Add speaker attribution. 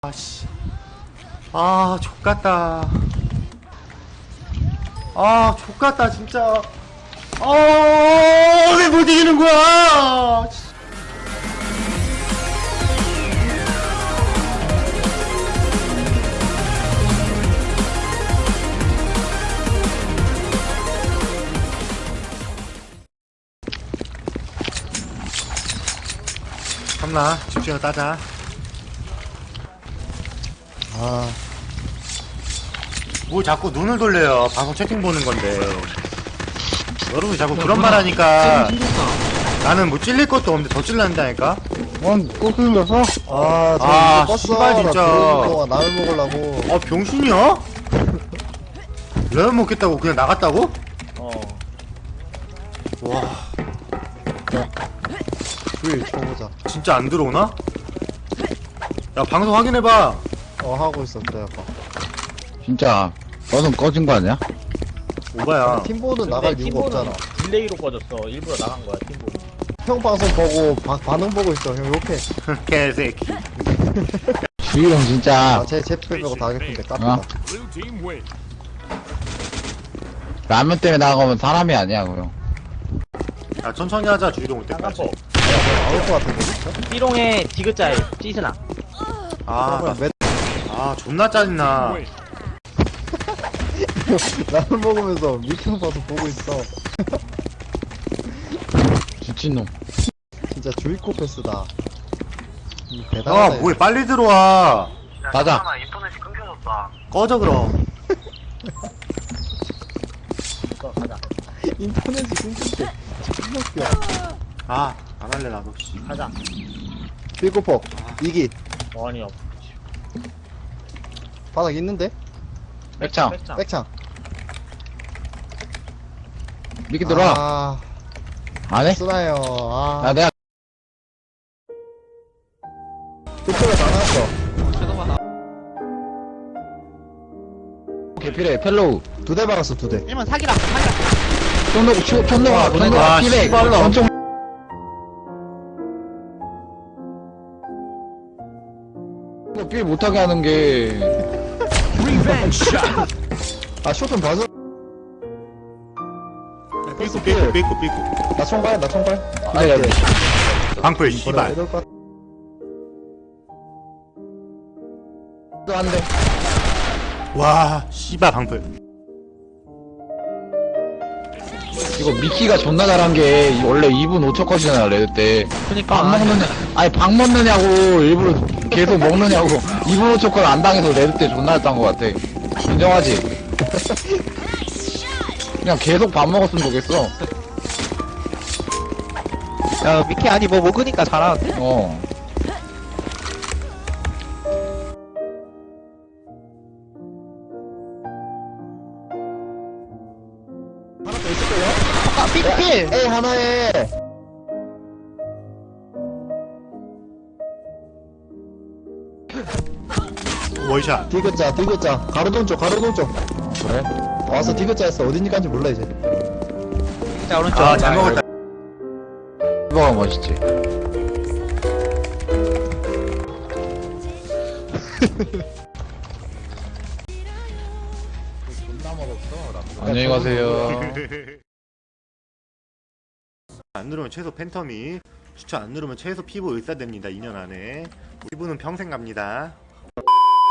Speaker 1: 아씨. 아, 족같다. 아, 족같다, 진짜. 왜 못 이기는 거야? 참나, 집중해서 따자. 뭐 자꾸 눈을 돌려요. 방송 채팅 보는 건데. 여러분이 자꾸 그런 말 하니까 나는 뭐 찔릴 것도 없는데 더 찔난다니까?
Speaker 2: 또 틀렸어?
Speaker 1: 씨발, 진짜.
Speaker 2: 나를 먹으려고.
Speaker 1: 병신이야? 라면 먹겠다고 그냥 나갔다고? 와,
Speaker 2: 불 쳐보자.
Speaker 1: 진짜 안 들어오나? 야, 방송 확인해봐.
Speaker 2: 하고 있어, 그래, 아까.
Speaker 3: 진짜 너는 꺼진 거 아니야?
Speaker 1: 오바야.
Speaker 2: 팀보는 나갈 이유가 없잖아.
Speaker 4: 딜레이로 꺼졌어. 일부러 나간 거야, 팀보.
Speaker 2: 형 방송 보고, 반응 보고 있어. 형 욕해.
Speaker 1: 개새끼.
Speaker 3: 주희형 진짜
Speaker 2: 제 빼고 다 하겠는데, 깝니다.
Speaker 3: 라면 때문에 나가면 사람이 아니야 그형.
Speaker 1: 야, 천천히 하자, 주희동 올 때까지.
Speaker 4: 쌍꺼포.
Speaker 2: 나올 것 같은데, 진짜?
Speaker 4: 삐롱에 디귿자에 찌스나.
Speaker 1: 존나 짜증나.
Speaker 2: 나를 먹으면서 미팅 봐서 보고 있어.
Speaker 3: 미친놈.
Speaker 2: 진짜 주의코 패스다. 대단하다.
Speaker 1: 뭐해, 빨리 들어와.
Speaker 3: 가자.
Speaker 4: 인터넷이 끊겨졌다.
Speaker 1: 꺼져, 그럼.
Speaker 4: 가자.
Speaker 2: 인터넷이 끊긴데. 존나 웃겨.
Speaker 1: 안 할래, 나도.
Speaker 4: 가자.
Speaker 2: 삐코폭. 이기.
Speaker 4: 아니요.
Speaker 2: 바닥 있는데?
Speaker 3: 백창.
Speaker 2: 백창.
Speaker 3: 미끼 들어와. 안 해?
Speaker 2: 쓰나요.
Speaker 3: 야 내가
Speaker 2: 삐코가 다 나왔어.
Speaker 3: 개필해 펠로우.
Speaker 2: 2대 박았어, 2대.
Speaker 4: 1번 사기라.
Speaker 3: 촌노고 치고 촌노가 보낸다. 피백.
Speaker 1: 씨발로.
Speaker 3: 엄청. 이거 필 못하게 하는 게.
Speaker 2: 쇼좀 봐줘.
Speaker 1: 삐꾸.
Speaker 2: 나 총괄.
Speaker 3: 기다려.
Speaker 1: 방풀, 씨발.
Speaker 2: 이럴 것 같아.
Speaker 3: 또 안 돼.
Speaker 1: 와, 씨발, 방풀.
Speaker 3: 이거 미키가 존나 잘한 게 원래 2분 5초 컷이잖아 레드 때.
Speaker 4: 그니까.
Speaker 3: 밥 먹느냐? 아니 밥 먹느냐고 일부러 계속 먹느냐고 2분 5초 컷 안 당해서 레드 때 존나 했던 것 같아. 인정하지? 그냥 계속 밥 먹었으면 좋겠어.
Speaker 4: 야, 미키 아니 뭐 먹으니까 잘하는데?
Speaker 2: 하나 더 있을 거예요?
Speaker 4: 삐필!
Speaker 2: 에이, 하나에.
Speaker 1: 원샷.
Speaker 2: 디귿자. 가로돈 쪽.
Speaker 3: 그래?
Speaker 2: 와서 디귿자 했어. 어디니까인지 몰라, 이제.
Speaker 4: 자, 오른쪽.
Speaker 1: 잘 먹었다.
Speaker 3: 이거가 멋있지. 안녕히 가세요.
Speaker 1: 안 누르면 최소 팬텀이, 추천 안 누르면 최소 피부 의사됩니다. 2년 안에. 피부는 평생 갑니다.